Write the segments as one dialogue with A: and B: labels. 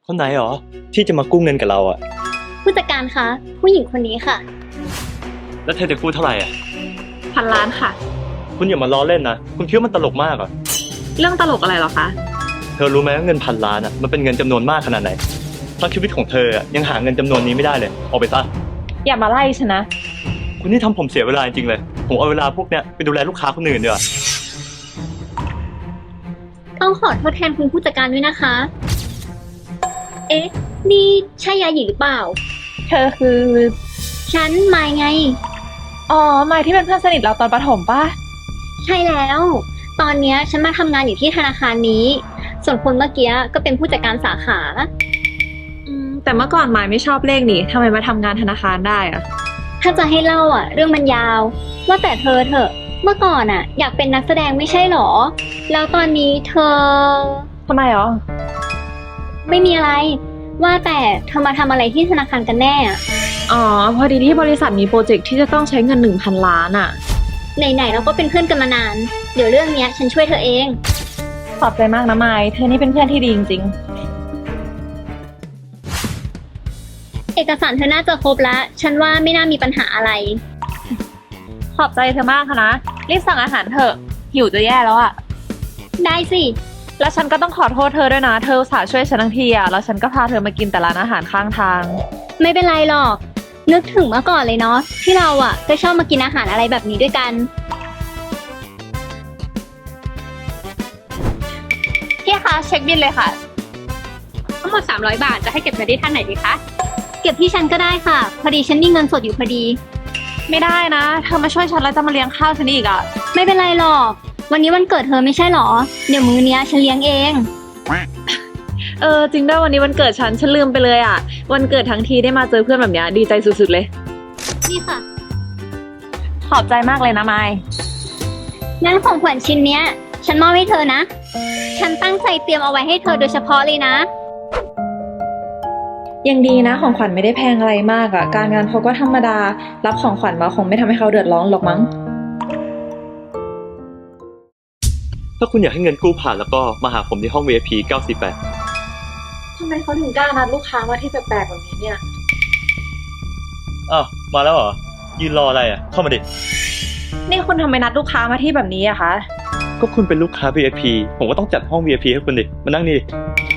A: คนไหนหรอที่จะมากู้เงินกับเราอะ
B: ผู้จัดการคะผู้หญิงคนนี้ค่ะ
A: แล้วเธอจะกู้เท่าไหร่อะ
C: 1,000 ล้านค่ะ
A: คุณอย่ามาล้อเล่นนะคุณคิดว่ามันตลกมากเหรอ
C: เรื่องตลกอะไรหรอคะ
A: เธอรู้ไหมว่าเงิน1,000 ล้านอะมันเป็นเงินจำนวนมากขนาดไหนทั้งชีวิตของเธอยังหาเงินจำนวนนี้ไม่ได้เลยออกไปซะ
C: อย่ามาไล่ฉันนะ
A: คุณนี่ทำผมเสียเวลาจริงๆเลยผมเอาเวลาพวกเนี้ยไปดูแลลูกค้าคนอื่นดีกว่า
B: ต้องขอโทษแทนคุณผู้จัดการด้วยนะคะ เอ๊ะนี่ใช่ยาหยีหรือเปล่า
C: เธอคือ
B: ฉันมายไง
C: อ๋อมายที่เป็นเพื่อนสนิทเราตอนประถมป่ะ
B: ใช่แล้วตอนเนี้ยฉันมาทำงานอยู่ที่ธนาคารนี้ส่วนคนเมื่อกี้ก็เป็นผู้จัดการสาขา
C: แต่เมื่อก่อนมายไม่ชอบเลขนี่ทำไมมาทำงานธนาคารได้อะ
B: ถ้าจะให้เล่าเรื่องมันยาวว่าแต่เธอเถอะเมื่อก่อนอยากเป็นนักแสดงไม่ใช่หรอแล้วตอนนี้เธอ
C: ทำไมหรอ
B: ไม่มีอะไรว่าแต่เธอมาทำอะไรที่ธนาคารกันแน่
C: อ๋อพอดีที่บริษัทมีโปรเจกต์ที่จะต้องใช้เงิน 1,000 ล้าน
B: ไหนเราก็เป็นเพื่อนกันมานานเดี๋ยวเรื่องเนี้ยฉันช่วยเธอเอง
C: ขอบใจมากนะมายเธอนี่เป็นเพื่อนที่ดีจริง
B: ๆเอกสารเธอน่าจะครบแล้วฉันว่าไม่น่ามีปัญหาอะไร
C: ขอบใจเธอมากค่ะนะรีบสั่งอาหารเถอะหิวจะแย่แล้ว
B: ได้สิ
C: แล้วฉันก็ต้องขอโทษเธอด้วยนะเธออุตส่าห์ช่วยฉันทั้งทีแล้วฉันก็พาเธอมากินแต่ร้านอาหารข้างทาง
B: ไม่เป็นไรหรอกนึกถึงเมื่อก่อนเลยเนาะที่เราก็ชอบมากินอาหารอะไรแบบนี้ด้วยกัน
C: พี่คะเช็คบิลเลยค่ะ
B: ทั้งหมด300 บาทจะให้เก็บเงินที่ท่านไหนดีคะเก็บที่ฉันก็ได้ค่ะพอดีฉันมีเงินสดอยู่พอดี
C: ไม่ได้นะเธอมาช่วยฉันแล้วจะมาเลี้ยงข้าวฉันอีก
B: ไม่เป็นไรหรอกวันนี้วันเกิดเธอไม่ใช่หรอเดี๋ยวมื้อนี้ฉันเลี้ยงเอง
C: จริงด้วยวันนี้วันเกิดฉันลืมไปเลยวันเกิดทั้งทีได้มาเจอเพื่อนแบบนี้ดีใจสุดๆเลย
B: นี่ค่ะ
C: ขอบใจมากเลยนะไมค์
B: งั้นของขวัญชิ้นเนี้ยฉันมอบให้เธอนะฉันตั้งใจเตรียมเอาไว้ให้เธอโดยเฉพาะเลยนะ
C: ยังดีนะของขวัญไม่ได้แพงอะไรมากการงานเขาก็ธรรมดารับของขวัญมาคงไม่ทำให้เขาเดือดร้อนหรอกมั้ง
A: ถ้าคุณอยากให้เงินกู้ผ่านแล้วก็มาหาผมที่ห้อง VIP 948
C: ทำไมเขาถึงกล้านัดลูกค้ามาที่แปลกๆแบบนี้เนี่ย
A: อ้าวมาแล้วเหรอยืนรออะไรเข้ามาดิ
C: นี่คุณทำไมนัดลูกค้ามาที่แบบนี้คะ
A: ก็คุณเป็นลูกค้า VIP ผมก็ต้องจัดห้อง VIP ให้คุณดิมานั่งนี่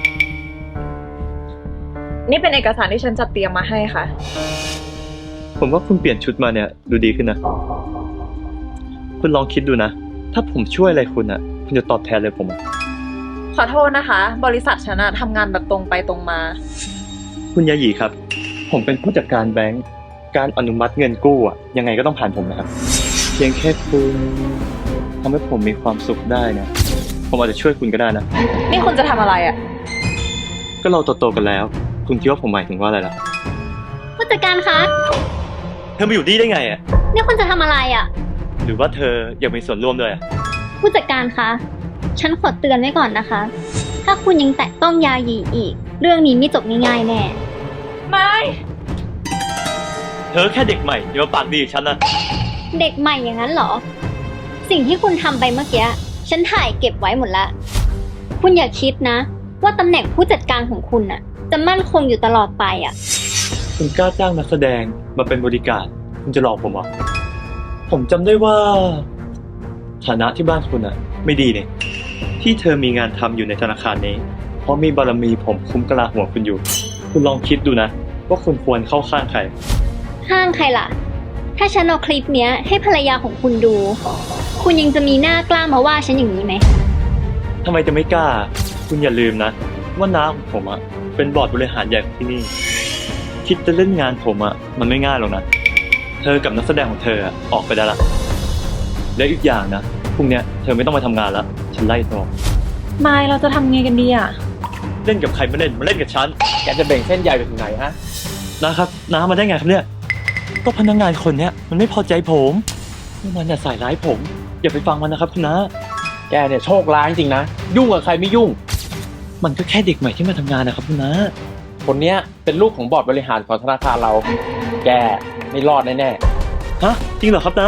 C: นี่เป็นเอกสารที่ฉันจัดเตรียมมาให้ค่ะ
A: ผมว่าคุณเปลี่ยนชุดมาเนี่ยดูดีขึ้นนะคุณลองคิดดูนะถ้าผมช่วยอะไรคุณคุณจะตอบแทนเลยผม
C: ขอโทษนะคะบริษัทฉันทำงานแบบตรงไปตรงมา
A: คุณยาหยีครับผมเป็นผู้จัดการแบงก์การอนุมัติเงินกู้ยังไงก็ต้องผ่านผมนะครับเพียงแค่คุณทำให้ผมมีความสุขได้เนี่ยผมอาจจะช่วยคุณก็ได้นะ
C: นี่คุณจะทำอะไร
A: ก็เราโตๆกันแล้วคุณคิดว่าผมหมายถึงว่าอะไรล่ะ
B: ผู้จัดการคะ
A: เธอมาอยู่นี่ได้ไง
B: นี่คุณจะทำอะไร
A: หรือว่าเธออยากมีส่วนร่วมด้วย
B: ผู้จัดการคะฉันขอเตือนไว้ก่อนนะคะถ้าคุณยังแตะต้องยาหยีอีกเรื่องนี้ไม่จบง่ายๆแน่
C: ไม่
A: เธอแค่เด็กใหม่อย่ามาปากดีกับฉันนะ
B: เด็กใหม่อย่างนั้นเหรอสิ่งที่คุณทำไปเมื่อกี้ฉันถ่ายเก็บไว้หมดละคุณอย่าคิดนะว่าตำแหน่งผู้จัดการของคุณจะมั่นคงอยู่ตลอดไป
A: คุณกล้าจ้างนักแสดงมาเป็นบริการคุณจะหลอกผมผมจำได้ว่าฐานะที่บ้านคุณไม่ดีเนี่ยที่เธอมีงานทำอยู่ในธนาคารนี้เพราะมีบารมีผมคุ้มกะลาหัวคุณอยู่คุณลองคิดดูนะว่าคุณควรเข้าข้างใคร
B: ข้างใครล่ะถ้าฉันเอาคลิปเนี้ยให้ภรรยาของคุณดูคุณยังจะมีหน้ากล้ามาว่าฉันอย่างนี้ไหม
A: ทำไมจะไม่กล้าคุณอย่าลืมนะว่าน้าของผมเป็นบอร์ดบริหารใหญ่ของที่นี่คิดจะเล่นงานผมมันไม่ง่ายหรอกนะเธอกับนักแสดงของเธอออกไปได้ละและอีกอย่างนะพรุ่งนี้เธอไม่ต้องมาทำงานแล้วฉันไล่ตัว
C: ไม่เราจะทำไงกันดี
A: เล่นกับใครมาเล่นกับฉัน
D: แกจะแบ่งเส้นใหญ่ไปถึงไหน
A: นะครับน้ามาได้ไงครับเนี่ยก็พนักงานคนเนี้ยมันไม่พอใจผมมันใส่ร้ายผมอย่าไปฟังมันนะครับคุณน้า
D: แกเนี่ยโชคร้ายจริงนะยุ่งกับใครไม่ยุ่ง
A: มันก็แค่เด็กใหม่ที่มาทำงานนะครับคุณน้า
D: คนเนี้ยเป็นลูกของบอร์ดบริหารของธนาคารเราแกไม่รอดแน่
A: ฮะจริงเหรอครับน้า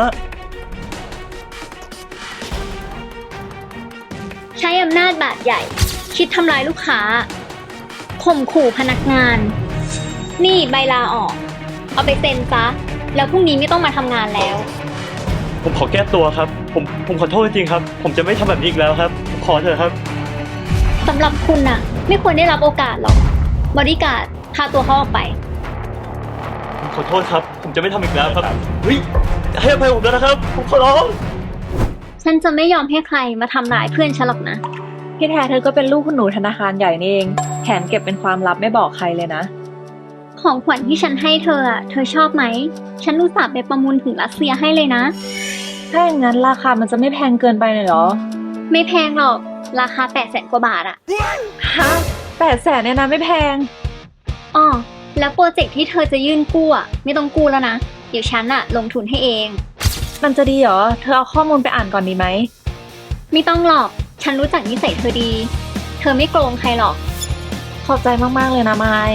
B: ใช้อำนาจบาดใหญ่คิดทำลายลูกค้าข่มขู่พนักงาน นี่ใบลาออก เอาไปเซ็นซะ แล้วพรุ่งนี้ไม่ต้องมาทำงานแล้ว
A: ผมขอแก้ตัวครับ ผมขอโทษจริงๆครับ ผมจะไม่ทำแบบนี้อีกแล้วครับผมขอเถอะครับ
B: สำหรับคุณน่ะ ไม่ควรได้รับโอกาสหรอก บริการดพาตัวเขาออกไป
A: ผมขอโทษครับ ผมจะไม่ทำอีกแล้วครับเฮ้ยให้อภัยผมแล้วนะครับ ผมขอร้อง
B: ฉันจะไม่ยอมให้ใครมาทำร้ายเพื่อนฉันหรอกนะ
C: ที่แท้เธอก็เป็นลูกคุณหนูธนาคารใหญ่นี่เองแถมเก็บเป็นความลับไม่บอกใครเลยนะ
B: ของขวัญที่ฉันให้เธอเธอชอบไหม ฉันอุตส่าห์ไปประมูลถึงรัสเซียให้เลยนะ
C: ถ้าอย่างนั้นราคามันจะไม่แพงเกินไปเลยเหรอ
B: ไม่แพงหรอก ราคา800,000 กว่าบาท
C: ฮะ800,000เนี่ยนะไม่แพง
B: อ้อแล้วโปรเจกต์ที่เธอจะยื่นกู้ไม่ต้องกู้แล้วนะ เดี๋ยวฉันลงทุนให้เอง
C: มันจะดีเหรอ เธอเอาข้อมูลไปอ่านก่อนดีไหม
B: ไม่ต้องหรอก ฉันรู้จักนิสัยเธอดี เธอไม่โกงใครหรอก
C: ขอบใจมากๆเลยนะไมค์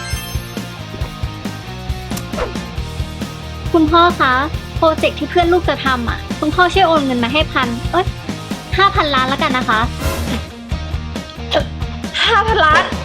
B: คุณพ่อคะ โปรเจกต์ที่เพื่อนลูกจะทำคุณพ่อช่วยโอนเงินมาให้5,000 ล้านแล้วกันนะคะ
C: 5,000 ล้าน